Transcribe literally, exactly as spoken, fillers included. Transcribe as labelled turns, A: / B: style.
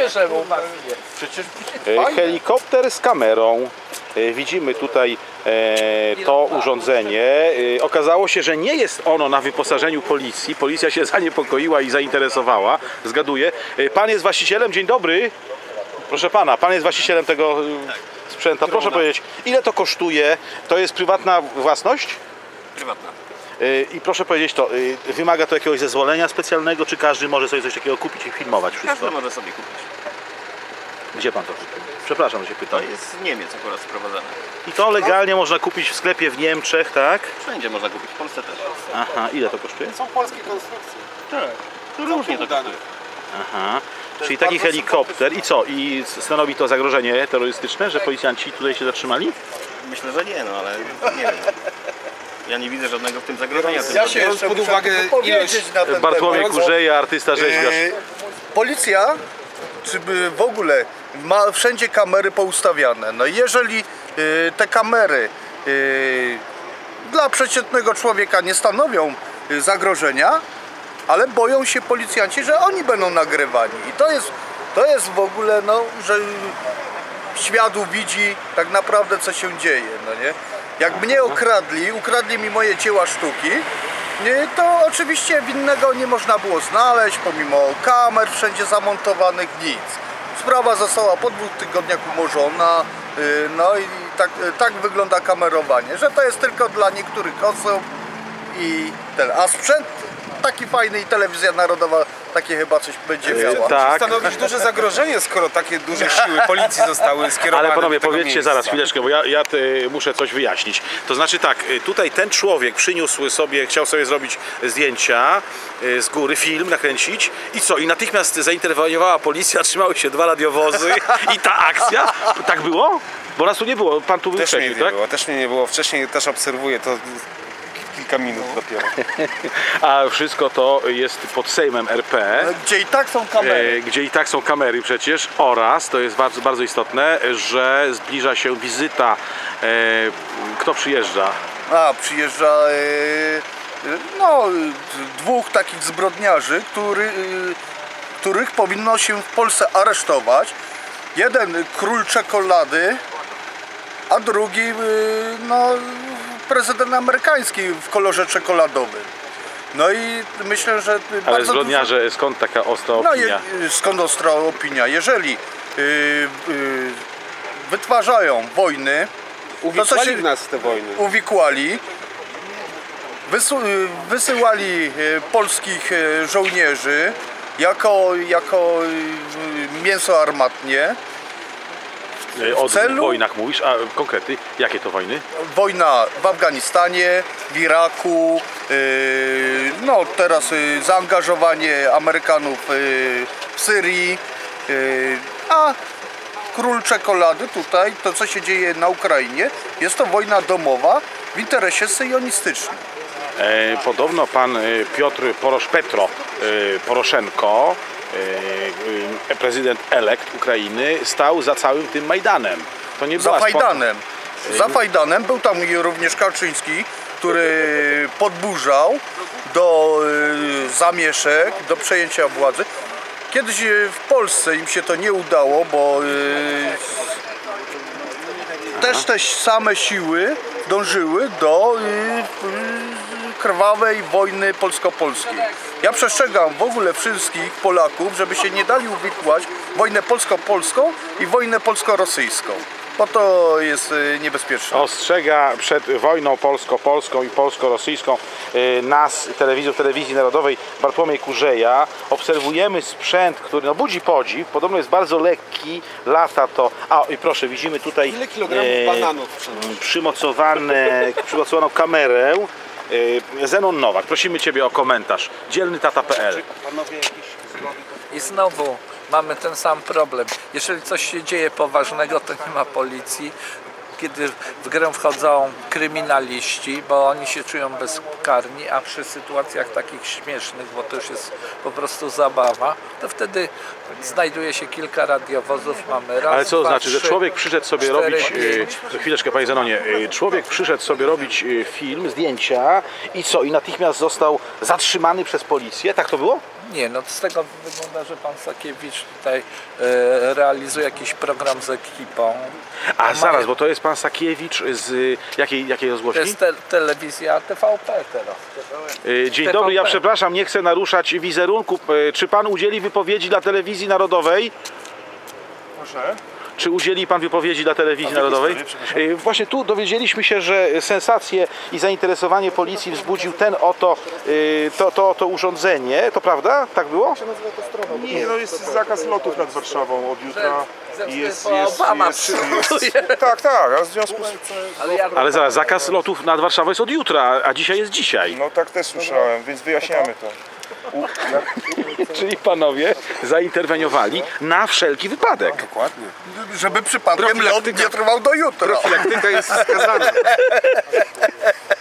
A: bierze mu
B: Przecież helikopter z kamerą. Widzimy tutaj to urządzenie. Okazało się, że nie jest ono na wyposażeniu policji. Policja się zaniepokoiła i zainteresowała. Zgaduję. Pan jest właścicielem? Dzień dobry. Proszę pana, pan jest właścicielem tego sprzętu. Proszę powiedzieć, ile to kosztuje? To jest prywatna własność?
C: Prywatna.
B: I proszę powiedzieć, to wymaga to jakiegoś zezwolenia specjalnego, czy każdy może sobie coś takiego kupić i filmować wszystko?
C: Każdy może sobie kupić.
B: Gdzie pan to kupił? Przepraszam, że się pytam.
C: To jest z Niemiec akurat sprowadzane.
B: I to legalnie można kupić w sklepie w Niemczech, tak?
C: Wszędzie można kupić, w Polsce też.
B: Aha, ile to kosztuje?
A: Są polskie konstrukcje.
C: Tak. To różnie to kosztuje.
B: Aha, czyli taki helikopter i co? I stanowi to zagrożenie terrorystyczne, że policjanci tutaj się zatrzymali?
C: Myślę, że nie, no ale nie wiem. Ja nie widzę żadnego w tym zagrożenia.
A: Ja się jeszcze pod uwagę ilość na ten
B: Bartłomiej
A: temat.
B: Kurzeja, artysta rzeźbiarz.
A: Yy, policja, czy by w ogóle ma wszędzie kamery poustawiane. No jeżeli yy, te kamery yy, dla przeciętnego człowieka nie stanowią yy, zagrożenia, ale boją się policjanci, że oni będą nagrywani. I to jest, to jest w ogóle, no, że świat widzi tak naprawdę, co się dzieje, no nie? Jak mnie okradli, ukradli mi moje dzieła sztuki, to oczywiście winnego nie można było znaleźć, pomimo kamer wszędzie zamontowanych, nic. Sprawa została po dwóch tygodniach umorzona, no i tak, tak wygląda kamerowanie, że to jest tylko dla niektórych osób i ten, a sprzęt taki fajny i telewizja narodowa takie chyba coś będzie miała.
B: Tak.
D: Stanowić duże zagrożenie, skoro takie duże siły policji zostały skierowane.
B: Ale panowie,
D: do tego
B: powiedzcie
D: miejsca.
B: zaraz chwileczkę, bo ja, ja y, muszę coś wyjaśnić. To znaczy tak, y, tutaj ten człowiek przyniósł sobie, chciał sobie zrobić zdjęcia y, z góry, film nakręcić i co? I natychmiast zainterweniowała policja, trzymały się dwa radiowozy i ta akcja. Tak było? Bo nas tu nie było, pan tu był
D: Też mnie
B: wcześniej,
D: nie
B: tak?
D: było, też mnie nie było. Wcześniej też obserwuję to kilka minut dopiero.
B: A wszystko to jest pod Sejmem R P.
A: Gdzie i tak są kamery.
B: Gdzie i tak są kamery przecież, oraz, to jest bardzo, bardzo istotne, że zbliża się wizyta. E, kto przyjeżdża?
A: A, przyjeżdża yy, no, dwóch takich zbrodniarzy, który, yy, których powinno się w Polsce aresztować. Jeden król czekolady, a drugi yy, no, prezydent amerykański w kolorze czekoladowym. No i myślę, że
B: Ale
A: bardzo
B: zbrodniarze,
A: dużo...
B: skąd taka ostra
A: No,
B: opinia?
A: je, skąd ostra opinia? Jeżeli yy, yy, wytwarzają wojny,
D: Uwikłali
A: się
D: w nas te wojny.
A: Uwikłali, wysu, wysyłali polskich żołnierzy jako, jako mięso armatnie.
B: O
A: celu-
B: wojnach mówisz, a konkrety, jakie to wojny?
A: Wojna w Afganistanie, w Iraku, yy, no teraz yy, zaangażowanie Amerykanów yy, w Syrii, yy, a król czekolady tutaj, to co się dzieje na Ukrainie, jest to wojna domowa w interesie syjonistycznym.
B: E, podobno pan e, Piotr Porosz, Petro e, Poroszenko, e, prezydent elekt Ukrainy, stał za całym tym Majdanem. To nie
A: Za
B: była
A: Fajdanem. Za Fajdanem był tam również Kaczyński, który podburzał do y, zamieszek, do przejęcia władzy. Kiedyś y, w Polsce im się to nie udało, bo y, też te same siły dążyły do y, y, krwawej wojny polsko-polskiej. Ja przestrzegam w ogóle wszystkich Polaków, żeby się nie dali uwikłać w wojnę polsko-polską i wojnę polsko-rosyjską, bo to jest y, niebezpieczne.
B: Ostrzega przed wojną polsko-polską i polsko-rosyjską y, nas, telewizor telewizji narodowej, Bartłomiej Kurzeja. Obserwujemy sprzęt, który no, budzi podziw, podobno jest bardzo lekki, lata to... A i proszę, widzimy tutaj
D: Ile kilogramów bananów?
B: przymocowane, przymocowaną kamerę. y, Zenon Nowak, prosimy Ciebie o komentarz. Dzielny tata kropka p l.
E: I znowu mamy ten sam problem. Jeżeli coś się dzieje poważnego, to nie ma policji. kiedy w grę wchodzą kryminaliści, bo oni się czują bezkarni, a przy sytuacjach takich śmiesznych, bo to już jest po prostu zabawa, to wtedy znajduje się kilka radiowozów, mamy raz,
B: Ale co to
E: dwa,
B: znaczy, że
E: trzy,
B: człowiek przyszedł sobie
E: cztery,
B: robić,
E: pięć.
B: e, chwileczkę panie Zenonie, e, człowiek przyszedł sobie robić e, film, zdjęcia i co? I natychmiast został zatrzymany przez policję, tak to było?
E: Nie, no z tego wygląda, że pan Sakiewicz tutaj e, realizuje jakiś program z ekipą.
B: A
E: Ma-
B: zaraz, bo to jest pan Sakiewicz z jakiej, jakiej
E: To
B: rozgłośni?
E: jest te, telewizja T V P teraz.
B: E, Dzień
E: T V P.
B: dobry, ja przepraszam, nie chcę naruszać wizerunku. E, Czy pan udzieli wypowiedzi dla Telewizji Narodowej?
D: Proszę.
B: Czy udzieli pan wypowiedzi dla Telewizji Narodowej? E, Właśnie tu dowiedzieliśmy się, że sensację i zainteresowanie policji wzbudził ten oto e, to, to, to urządzenie. To prawda? Tak było?
D: Nie, no jest zakaz lotów nad Warszawą od jutra.
E: Ze
D: I jest,
E: wstydu
D: jest,
E: Obama
D: jest,
E: przygotuje.
D: jest, tak, tak, a w związku z
E: Ale ja
B: Ale zaraz, zakaz lotów nad Warszawą jest od jutra, a dzisiaj jest dzisiaj.
D: no tak też słyszałem, więc wyjaśniamy to.
B: Czyli panowie zainterweniowali na wszelki wypadek.
A: Dokładnie. Żeby przypadkiem lot nie trwał do jutra.
D: Profilaktyka jest wskazana.